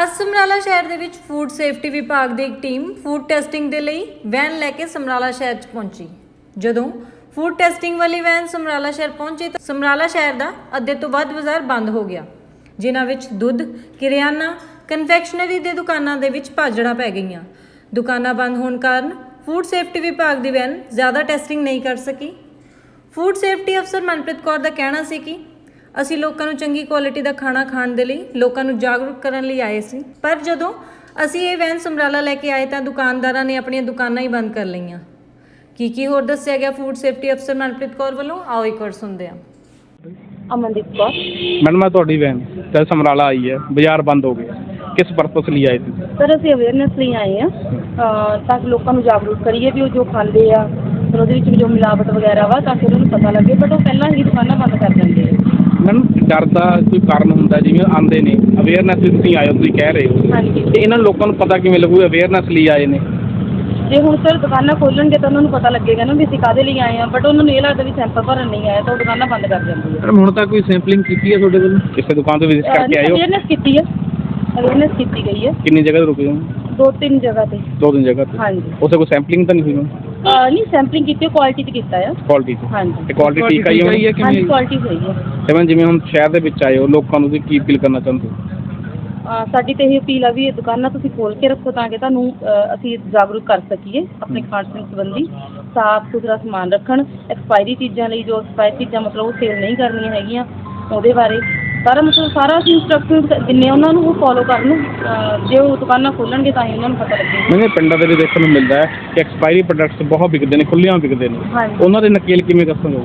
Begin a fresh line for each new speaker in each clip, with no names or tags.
ਅੱਜ ਸਮਰਾਲਾ ਸ਼ਹਿਰ ਦੇ ਵਿੱਚ ਫੂਡ ਸੇਫਟੀ ਵਿਭਾਗ ਦੀ ਇੱਕ ਟੀਮ ਫੂਡ ਟੈਸਟਿੰਗ ਦੇ ਲਈ ਵੈਨ ਲੈ ਕੇ ਸਮਰਾਲਾ ਸ਼ਹਿਰ 'ਚ ਪਹੁੰਚੀ। ਜਦੋਂ ਫੂਡ ਟੈਸਟਿੰਗ ਵਾਲੀ ਵੈਨ ਸਮਰਾਲਾ ਸ਼ਹਿਰ ਪਹੁੰਚੀ ਤਾਂ ਸਮਰਾਲਾ ਸ਼ਹਿਰ ਦਾ ਅੱਧੇ ਤੋਂ ਵੱਧ ਬਾਜ਼ਾਰ ਬੰਦ ਹੋ ਗਿਆ, ਜਿਨ੍ਹਾਂ ਵਿੱਚ ਦੁੱਧ, ਕਿਰਿਆਨਾ, ਕਨਫੈਕਸ਼ਨਰੀ ਦੇ ਦੁਕਾਨਾਂ ਦੇ ਵਿੱਚ ਭਾਜੜਾਂ ਪੈ ਗਈਆਂ। ਦੁਕਾਨਾਂ ਬੰਦ ਹੋਣ ਕਾਰਨ ਫੂਡ ਸੇਫਟੀ ਵਿਭਾਗ ਦੀ ਵੈਨ ਜ਼ਿਆਦਾ ਟੈਸਟਿੰਗ ਨਹੀਂ ਕਰ ਸਕੀ। ਫੂਡ ਸੇਫਟੀ ਅਫਸਰ ਮਨਪ੍ਰੀਤ ਕੌਰ ਦਾ ਕਹਿਣਾ ਸੀ ਕਿ ਅਸੀਂ ਲੋਕਾਂ ਨੂੰ ਚੰਗੀ ਕੁਆਲਿਟੀ ਦਾ ਖਾਣਾ ਖਾਣ ਦੇ ਲਈ ਲੋਕਾਂ ਨੂੰ ਜਾਗਰੂਕ ਕਰਨ ਲਈ ਆਏ ਸੀ, ਪਰ ਜਦੋਂ ਅਸੀਂ ਇਹ ਵੈਨ ਸਮਰਾਲਾ ਲੈ ਕੇ ਆਏ ਤਾਂ ਦੁਕਾਨਦਾਰਾਂ ਨੇ ਆਪਣੀਆਂ ਦੁਕਾਨਾਂ ਹੀ ਬੰਦ ਕਰ ਲਈਆਂ। ਕੀ ਹੋਰ ਦੱਸਿਆ ਗਿਆ ਫੂਡ ਸੇਫਟੀ ਅਫਸਰ ਮਨਪ੍ਰੀਤ ਕੌਰ ਵੱਲੋਂ, ਆਓ ਇੱਕ ਵਾਰ ਸੁਣਦੇ ਹਾਂ।
ਅਮਨਦੀਪ ਕੌਰ
ਮੈਡਮ ਮੈਂ ਤੁਹਾਡੀ ਵੈਨ ਜਦ ਸਮਰਾਲਾ ਆਈ ਹੈ, ਬਾਜ਼ਾਰ ਬੰਦ ਹੋ ਗਿਆ, ਕਿਸ ਪਰਪਸ ਲਈ ਆਏ ਸੀ?
ਸਰ ਅਸੀਂ ਅਵੇਅਰਨੈਸ ਲਈ ਆਏ ਹਾਂ ਤਾਂ ਕਿ ਲੋਕਾਂ ਨੂੰ ਜਾਗਰੂਕ ਕਰੀਏ ਵੀ ਉਹ ਜੋ ਖਾਂਦੇ ਆ ਫਿਰ ਉਹਦੇ ਵਿੱਚ ਜੋ ਮਿਲਾਵਟ ਵਗੈਰਾ ਵਾ ਤਾਂ ਕਿ ਉਹਨਾਂ ਨੂੰ ਪਤਾ ਲੱਗੇ, ਬਟ ਉਹ ਪਹਿਲਾਂ ਹੀ ਦੁਕਾਨਾਂ ਬੰਦ ਕਰ ਦਿੰਦੇ ਆ।
ਮੈਡਮ ਡਰ ਦਾ ਕੋਈ ਕਾਰਨ ਹੁੰਦਾ, ਜਿਵੇਂ ਆਉਂਦੇ ਨੇ ਅਵੇਅਰਨੈਸ ਲਈ ਤੁਸੀਂ ਆਏ ਹੋ, ਤੁਸੀਂ ਕਹਿ ਰਹੇ ਹੋ,
ਹਾਂਜੀ,
ਤੇ ਇਹਨਾਂ ਲੋਕਾਂ ਨੂੰ ਪਤਾ ਕਿਵੇਂ ਲੱਗੂ ਅਵੇਅਰਨੈਸ ਲਈ ਆਏ ਨੇ?
ਜੇ ਹੁਣ ਸਰ ਦੁਕਾਨਾਂ ਖੋਲਣਗੇ ਤਾਂ ਉਹਨਾਂ ਨੂੰ ਪਤਾ ਲੱਗੇਗਾ ਨਾ ਵੀ ਅਸੀਂ ਕਾਹਦੇ ਲਈ ਆਏ ਹਾਂ, ਬਟ ਉਹਨਾਂ ਨੂੰ ਇਹ ਲੱਗਦਾ ਵੀ ਸੈਂਪਲ ਭਰਨ ਨਹੀਂ ਆਇਆ ਤਾਂ ਉਹ ਦੁਕਾਨਾਂ ਬੰਦ ਕਰ ਦਿੰਦੀ ਹੈ।
ਮੈਡਮ ਹੁਣ ਤੱਕ ਕੋਈ ਸੈਂਪਲਿੰਗ ਕੀਤੀ ਹੈ ਤੁਹਾਡੇ ਵੱਲੋਂ? ਕਿਸੇ ਦੁਕਾਨ ਤੋਂ ਵਿਜ਼ਿਟ ਕਰਕੇ ਆਏ ਹੋ?
ਅਵੇਅਰਨੈਸ ਕੀਤੀ ਹੈ, ਅਵੇਅਰਨੈਸ ਕੀਤੀ ਗਈ ਹੈ।
ਕਿੰਨੀ ਜਗ੍ਹਾ ਤੇ ਰੁਕੇ ਹੋ?
2-3 ਜਗ੍ਹਾ ਤੇ।
2-3 ਜਗ੍ਹਾ ਤੇ?
ਹਾਂਜੀ।
ਉਸੇ ਕੋਈ ਸੈਂਪਲਿੰਗ ਤਾਂ ਨਹੀਂ ਹੋਈ?
ਨਹੀਂ ਸੈਂਪਲਿੰਗ ਕੀਤੀ, ਕੁਆਲਿਟੀ 'ਚ ਕੀਤਾ ਆ।
ਕੁਆਲਿਟੀ 'ਚ?
ਹਾਂਜੀ।
ਤੇ ਕੁਆਲਿਟੀ ਠੀਕ ਆਈ ਹੋਈ ਹੈ ਕਿ
ਹਾਂਜੀ
ਨਹੀਂ?
ਕੁਆਲਿਟੀ ਸਹੀ ਹੈ।
ਤੇ ਮੈਂ ਜਿਵੇਂ ਹੁਣ ਸ਼ਹਿਰ ਦੇ ਵਿੱਚ ਆਏ ਹੋ, ਲੋਕਾਂ ਨੂੰ ਤੁਸੀਂ ਕੀ ਅਪੀਲ ਕਰਨਾ ਚਾਹੁੰਦੇ ਹੋ?
ਸਾਡੀ ਤਾਂ ਇਹ ਅਪੀਲ ਆ ਵੀ ਇਹ ਦੁਕਾਨਾਂ ਤੁਸੀਂ ਖੋਲ੍ਹ ਕੇ ਰੱਖੋ ਤਾਂ ਕਿ ਤੁਹਾਨੂੰ ਅਸੀਂ ਜਾਗਰੂਕ ਕਰ ਸਕੀਏ ਆਪਣੇ ਖਾਣ ਪੀਣ ਸੰਬੰਧੀ। ਸਾਫ਼ ਸੁਥਰਾ ਸਮਾਨ ਰੱਖਣ, ਐਕਸਪਾਇਰੀ ਚੀਜ਼ਾਂ ਲਈ ਜੋ ਐਕਸਪਾਇਰੀ ਚੀਜ਼ਾਂ ਮਤਲਬ ਉਹ ਸੇਲ ਨਹੀਂ ਕਰਨੀਆਂ ਹੈਗੀਆਂ, ਉਹਦੇ ਬਾਰੇ ਸਾਰਾ ਅਸੀਂ ਇੰਸਟਰਕਸ਼ਨ ਦਿੰਦੇ ਹਾਂ ਉਹਨਾਂ ਨੂੰ, ਉਹ ਫੋਲੋ ਕਰਨ। ਜੇ ਉਹ ਦੁਕਾਨਾਂ ਖੋਲ੍ਹਣਗੇ ਤਾਂ ਹੀ ਉਹਨਾਂ ਨੂੰ ਪਤਾ ਲੱਗੇਗਾ।
ਮੈਨੂੰ ਪਿੰਡਾਂ ਦੇ ਵਿੱਚ ਦੇਖਣ ਨੂੰ ਮਿਲਦਾ ਹੈ ਕਿ ਐਕਸਪਾਇਰੀ ਪ੍ਰੋਡਕਟਸ ਬਹੁਤ ਵਿਕਦੇ ਨੇ, ਖੁੱਲ੍ਹਿਆਂ ਵਿਕਦੇ ਨੇ,
ਹਾਂਜੀ।
ਉਹਨਾਂ ਦੇ ਨਕੇਲ ਕਿਵੇਂ ਦੱਸੋਗੇ?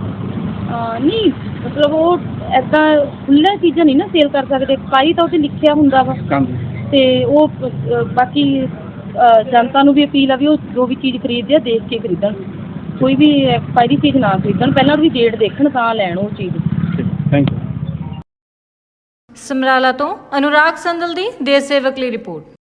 ਨਹੀਂ ਮਤਲਬ ਉਹ ਇੱਦਾਂ ਖੁੱਲ੍ਹੀਆਂ ਚੀਜ਼ਾਂ ਨਹੀਂ ਨਾ ਸੇਲ ਕਰ ਸਕਦੇ, ਐਕਸਪਾਇਰੀ ਤਾਂ ਉਹ 'ਤੇ ਲਿਖਿਆ ਹੁੰਦਾ ਵਾ।
ਹਾਂਜੀ।
ਅਤੇ ਉਹ ਬਾਕੀ ਜਨਤਾ ਨੂੰ ਵੀ ਅਪੀਲ ਆ ਵੀ ਉਹ ਜੋ ਵੀ ਚੀਜ਼ ਖਰੀਦਦੇ ਆ ਦੇਖ ਕੇ ਖਰੀਦਣ, ਕੋਈ ਵੀ ਐਕਸਪਾਇਰੀ ਚੀਜ਼ ਨਾ ਖਰੀਦਣ, ਪਹਿਲਾਂ ਉਹਦੀ ਡੇਟ ਦੇਖਣ ਤਾਂ ਲੈਣ ਉਹ ਚੀਜ਼।
Thank you.
ਸਮਰਾਲਾ ਤੋਂ ਅਨੁਰਾਗ ਸੰਦਲ ਦੀ ਦੇਸ਼ ਸੇਵਕ ਲਈ ਰਿਪੋਰਟ।